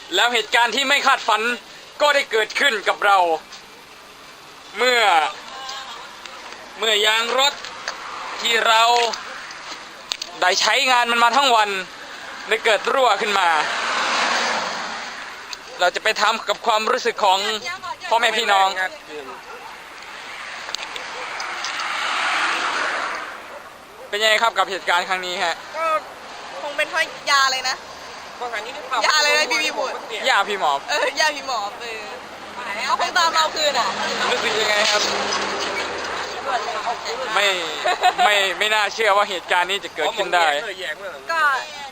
แล้วเหตุการณ์ที่ไม่คาดฝันก็ได้เกิดขึ้นกับเรา เมื่อยางรถที่เราได้ใช้งานมันมาทั้งวันได้เกิดรั่วขึ้นมา เราจะไปทำกับความรู้สึกของพ่อแม่พี่น้องเป็นยังไงครับกับเหตุการณ์ครั้งนี้ฮะก็คงเป็นเพราะยาเลยนะยาเลยนะพี่พูดยาพี่หมอบยาพี่หมอบเขาคงตามเราคืนอ่ะรู้สึกยังไงครับไม่น่าเชื่อว่าเหตุการณ์นี้จะเกิดขึ้นได้ก็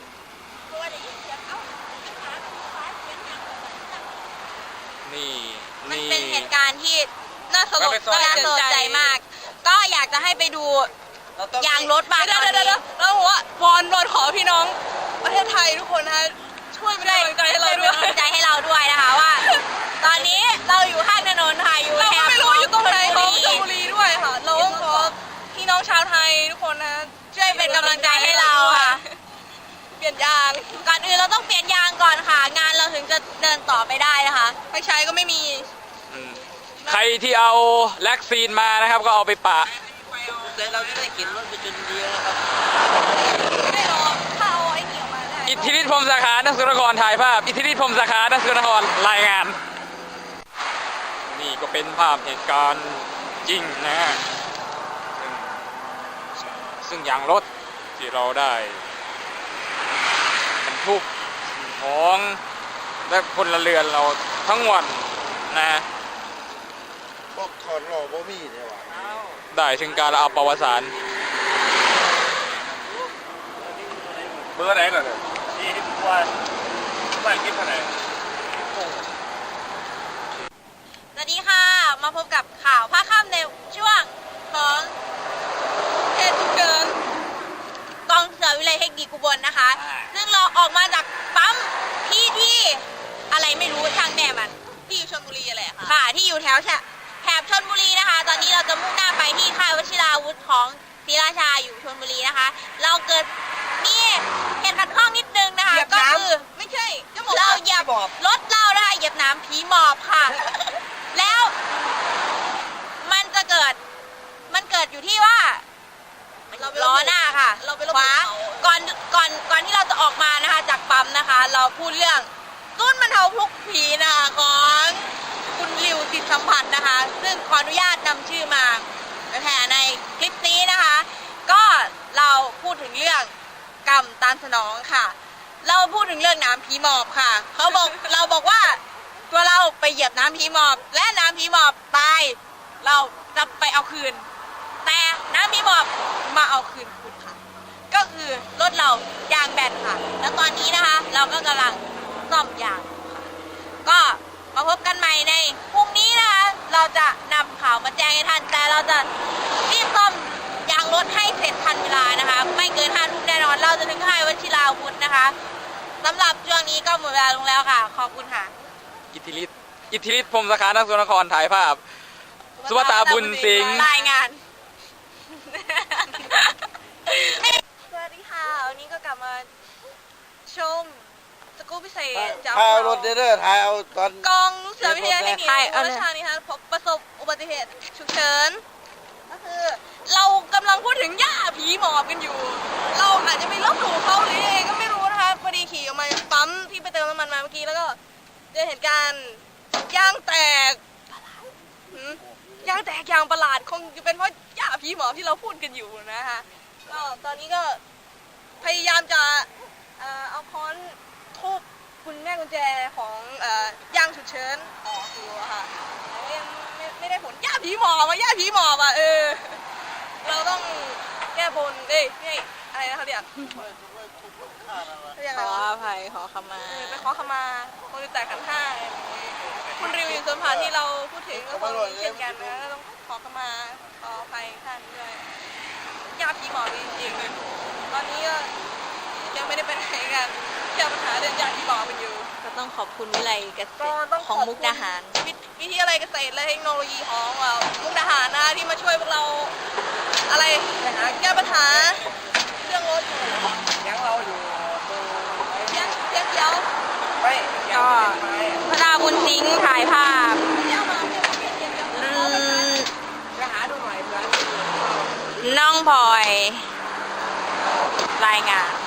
มันเป็นเหตุการณ์ที่น่าสลดใจมากก็อยากจะให้ไปดูยางรถมาตอนนี้แล้วว่าวอนขอพี่น้องประเทศไทยทุกคนนะช่วยเป็นกำลังใจให้เราด้วยนะคะว่าตอนนี้เราอยู่ข้างถนนค่ะอยู่เราไม่รู้อยู่ตรงไหนของชลบุรีด้วยค่ะเราขอพี่น้องชาวไทยทุกคนนะช่วยเป็นกำลังใจให้เราค่ะเปลี่ยนยางก่อนอื่นเราต้องเปลี่ยนยางก่อนค่ะงานเราถึงจะเดินต่อไปได้นะคะไฟใช้ก็ไม่มีใครที่เอาแล็กซีนมานะครับก็เอาไปปะเราจะได้เข็นรถไปจนเดียวนะครับไม่หรอกถ้าเอาไอ้เหนียวมาได้อิทธิฤทธิ์พรหมสาขานักสุนทรถ่ายภาพอิทธิฤทธิ์พรหมสาขานักสุนทรรายงานนี่ก็เป็นภาพเหตุการณ์จริงนะซึ่งยางรถที่เราได้บรรทุกของและพลเรือนเราทั้งวันนะพวกถอดหล่อบ่มีเนี่ยวะได้ถึงการเอาประวัติศาสตร์เบอร์ไหนก่อนเนี่ยที่ทุกวันไม่คิดเท่าไหร่สวัสดีค่ะมาพบกับข่าวภาคค่ำในช่วงของเหตุฉุกเฉินกองเสือวิไลเทคนิคอุบลนะคะซึ่งเราออกมาจากปั๊มที่อะไรไม่รู้ทางแม่มันที่อยู่ชลบุรีอะไรค่ะที่อยู่แถวชลบุรีนะคะตอนนี้เราจะมุ่งหน้าไปที่ค่ายวชิราวุธของศรีราชาอยู่ชลบุรีนะคะเราเกิดมีเหตุขัดข้องนิดนึงนะคะก็คือไม่ใช่เราเหยียบรถเรานะคะเหยียบน้ำผีหมอบค่ะแล้วมันเกิดอยู่ที่ว่าล้อหน้าค่ะขวาก่อนที่เราจะออกมานะคะจากปั๊มนะคะเราพูดเรื่องตุ้นบรรเทาทุกข์ผีนะคะของคุณริวจิตสัมผัสนะคะซึ่งขออนุญาตนำชื่อมาแผ่ในคลิปนี้นะคะก็เราพูดถึงเรื่องกรรมตามสนองค่ะเราพูดถึงเรื่องน้ำผีหมอบค่ะเราบอกว่าตัวเราไปเหยียบน้ำผีหมอบและน้ำผีหมอบตายเราจะไปเอาคืนแต่น้ำผีหมอบมาเอาคืนคุณค่ะก็คือรถเรายางแบนค่ะแล้วตอนนี้นะคะเราก็กำลังซ่อมยางค่ะก็มาพบกันใหม่ในพรุ่งนี้นะคะเราจะนำข่าวมาแจ้งให้ท่านแต่เราจะรีบซ่อมยางรถให้เสร็จทันเวลานะคะไม่เกิน5 ทุ่มแน่นอนเราจะถึงค่ายวชิราวุธนะคะสำหรับช่วงนี้ก็หมดเวลาลงแล้วค่ะขอบคุณค่ะอิทธิฤทธิ์พรหมสาขานักสุนทรถ่ายภาพสุภตาบุญสิงห์รายงานสวัสดีค่ะวันนี้ก็กลับมาชมสกู๊ปพิเศษจากถ่ายรถเด้อถ่ายเอาตอนกองเสือวิทยาเทคนิคอุบลราชธานีค่ะประสบอุบัติเหตุฉุกเฉินก็คือเรากำลังพูดถึงย่าผีหมอบกันอยู่เราอาจจะไปลบหลู่เขาหรือยังไงก็ไม่รู้นะคะพอดีขี่ออกมาปั๊มที่ไปเติมน้ำมันมาเมื่อกี้แล้วก็เจอเหตุการณ์ยางแตกยางประหลาดคงจะเป็นเพราะย่าผีหมอบที่เราพูดกันอยู่นะคะก็ตอนนี้ก็พยายามจะเอาค้อนทุบคุณแม่กุญแจของยางฉุกเฉินออกอยู่ค่ะแต่ยังไม่ได้ผลย่าผีหมอบอ่ะเราต้องแก้บนนี่อะไรนะเขาเรียกขออภัยขอขมาไปขอขมาคนที่แตกขันห้าคุณริวอยู่ส่วนผ่านที่เราพูดถึงก็คงเช่นกันนะต้องขอขมาขออภัยท่านด้วยย่าผีหมอบจริงๆตอนนี้ก็ยังไม่ได้ไปไหนกันแก้ปัญหาเรื่องยาผีหมอบกันอยู่ก็ต้องขอบคุณวิไลเกษตรของมุกดาหารวิทยาลัยเกษตรและเทคโนโลยีของมุกดาหารนะที่มาช่วยพวกเราอะไรแก้ปัญหาเรื่องรถยังเราอยู่ยังเดียวไม่ยก็พระดาบุญทิ้งถ่ายภาพน้องพลอยรายงาน